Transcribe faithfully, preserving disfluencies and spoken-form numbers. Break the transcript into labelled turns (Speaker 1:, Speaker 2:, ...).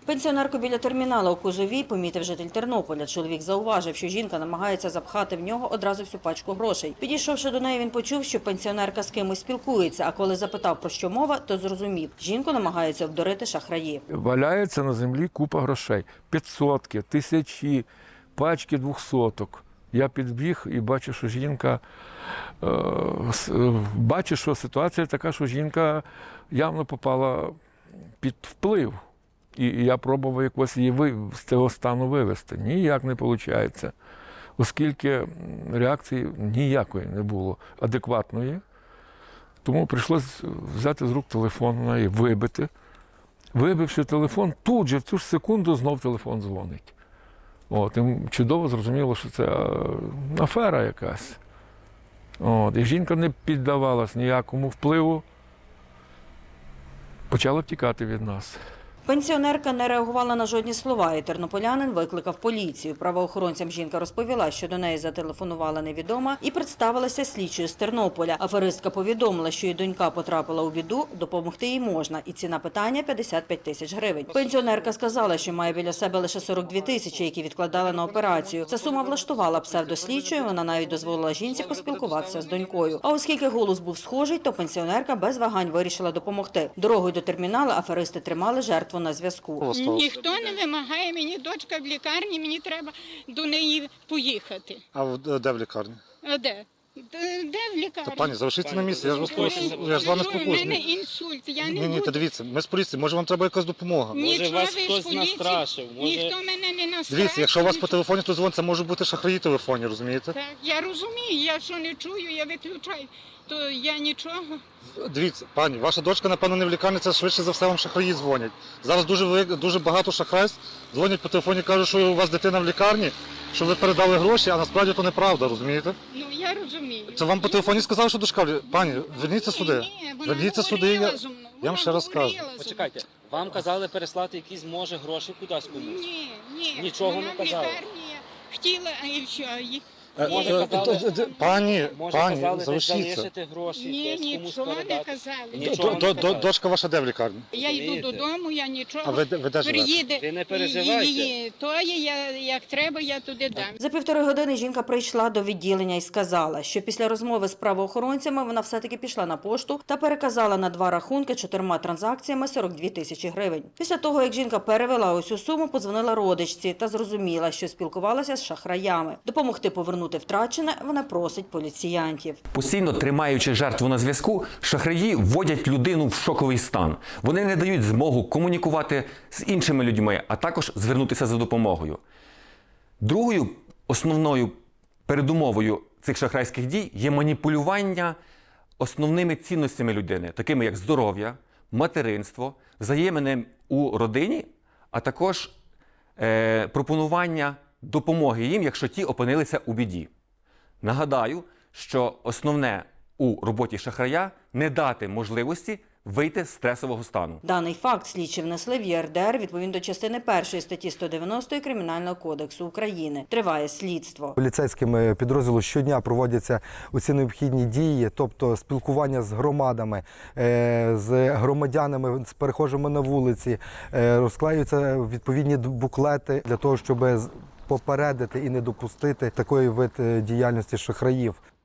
Speaker 1: Пенсіонерку біля терміналу у Кузовій помітив житель Тернополя. Чоловік зауважив, що жінка намагається запхати в нього одразу всю пачку грошей. Підійшовши до неї, він почув, що пенсіонерка з кимось спілкується, а коли запитав, про що мова, то зрозумів – жінку намагаються обдурити шахраї.
Speaker 2: Валяється на землі купа грошей. П'ятсотки, тисячі, пачки двохсоток. Я підбіг і бачу, що жінка, е, бачу, що ситуація така, що жінка явно попала під вплив. І я пробував якось її з цього стану вивести. Ніяк не виходить, оскільки реакції ніякої не було адекватної. Тому прийшлося взяти з рук телефон на неї, вибити. Вибивши телефон, тут же в цю ж секунду знов телефон дзвонить. От, і чудово зрозуміло, що це афера якась. От, і жінка не піддавалась ніякому впливу, почала втікати від нас.
Speaker 1: Пенсіонерка не реагувала на жодні слова, і тернополянин викликав поліцію. Правоохоронцям жінка розповіла, що до неї зателефонувала невідома і представилася слідчою з Тернополя. Аферистка повідомила, що її донька потрапила у біду, допомогти їй можна, і ціна питання – п'ятдесят п'ять тисяч гривень. Пенсіонерка сказала, що має біля себе лише сорок дві тисячі, які відкладали на операцію. Ця сума влаштувала псевдослідчою, вона навіть дозволила жінці поспілкуватися з донькою. А оскільки голос був схожий, то пенсіонерка без вагань вирішила допомогти. Дорогою до терміналу аферисти тримали жертву на зв'язку.
Speaker 3: Ніхто не вимагає, мені дочка в лікарні, мені треба до неї поїхати.
Speaker 4: А в- де в лікарні?
Speaker 3: А де? Де, де в лікарні?
Speaker 4: Та пані, залишіться на місці, я ж вас прошу,
Speaker 3: Ну,
Speaker 4: я ж з вами
Speaker 3: У мене
Speaker 4: спокусний.
Speaker 3: інсульт, я не
Speaker 4: Ні, ні,
Speaker 3: буду.
Speaker 4: та дивіться, ми з поліції, може вам треба якась допомога.
Speaker 3: Нічого
Speaker 5: вас
Speaker 3: ви ж
Speaker 5: хтось
Speaker 3: поліції,
Speaker 5: настрашив, може-
Speaker 3: Ніхто мене не настрашив.
Speaker 4: Дивіться, якщо у вас по
Speaker 3: нічого.
Speaker 4: телефоні хтось дзвонить, це можуть бути шахраї в телефоні, розумієте?
Speaker 3: Так, я розумію, я що не чую, я виключаю, то я нічого.
Speaker 4: Дивіться, пані, ваша дочка, напевно, не в лікарні, це швидше за все вам шахраї дзвонять. Зараз дуже, велик- дуже багато шахрайств дзвонять по телефоні, кажуть, що у вас дитина в лікарні, що ви передали гроші, а насправді то неправда, розумієте?
Speaker 3: Ну, я розумію.
Speaker 4: Це вам по телефоні сказали, що дочка в лі- Пані, верніться сюди.
Speaker 3: Ні, вона
Speaker 4: Верніться сюди,
Speaker 3: говорила
Speaker 4: я,
Speaker 3: зо мною,
Speaker 4: я вам
Speaker 3: вона
Speaker 4: ще раз кажу.
Speaker 3: говорила зо мною.
Speaker 5: Почекайте, вам казали переслати якісь, може, гроші кудись комусь?
Speaker 3: Ні, ні.
Speaker 5: Нічого
Speaker 3: вона
Speaker 5: не
Speaker 3: в
Speaker 5: казали?
Speaker 3: лікарні хотіла, а і все. І-
Speaker 4: Е,
Speaker 5: Може,
Speaker 4: е,
Speaker 5: казали-
Speaker 4: д- д- Пані,
Speaker 5: Може,
Speaker 4: пані,
Speaker 5: казали десь
Speaker 4: залишіться.
Speaker 5: залишити гроші,
Speaker 3: Ні,
Speaker 5: десь комусь
Speaker 3: нічого не
Speaker 5: передати?
Speaker 3: казали.
Speaker 5: Ні.
Speaker 4: Д-
Speaker 5: Нічого
Speaker 4: д-
Speaker 5: не
Speaker 4: д-
Speaker 5: казали.
Speaker 4: Дочка ваша де в лікарні?
Speaker 3: Я йду
Speaker 5: Розумієте?
Speaker 3: додому, я нічого.
Speaker 4: А ви де- ви де живете?
Speaker 3: Приїде,
Speaker 5: Ви не переживайте.
Speaker 3: її, то є, я, як треба, я туди дам.
Speaker 1: За півтори години жінка прийшла до відділення і сказала, що після розмови з правоохоронцями вона все-таки пішла на пошту та переказала на два рахунки чотирма транзакціями сорок дві тисячі гривень. Після того, як жінка перевела усю суму, подзвонила родичці та зрозуміла, що спілкувалася з шахраями. Допомогти повернути втрачене вона просить поліціянтів.
Speaker 6: Постійно тримаючи жертву на зв'язку, шахраї вводять людину в шоковий стан. Вони не дають змогу комунікувати з іншими людьми, а також звернутися за допомогою. Другою основною передумовою цих шахрайських дій є маніпулювання основними цінностями людини, такими як здоров'я, материнство, взаємини у родині, а також е, пропонування допомоги їм, якщо ті опинилися у біді. Нагадаю, що основне у роботі шахрая – не дати можливості вийти з стресового стану.
Speaker 1: Даний факт слідчі внесли в Є Ер Де Ер відповідно до частини першої статті сто дев'яносто Кримінального кодексу України. Триває слідство.
Speaker 7: Поліцейськими підрозділу щодня проводяться усі необхідні дії, тобто спілкування з громадами, е, з громадянами, з перехожими на вулиці, е, розклеюються відповідні буклети для того, щоб попередити і не допустити такої вид діяльності шахраїв.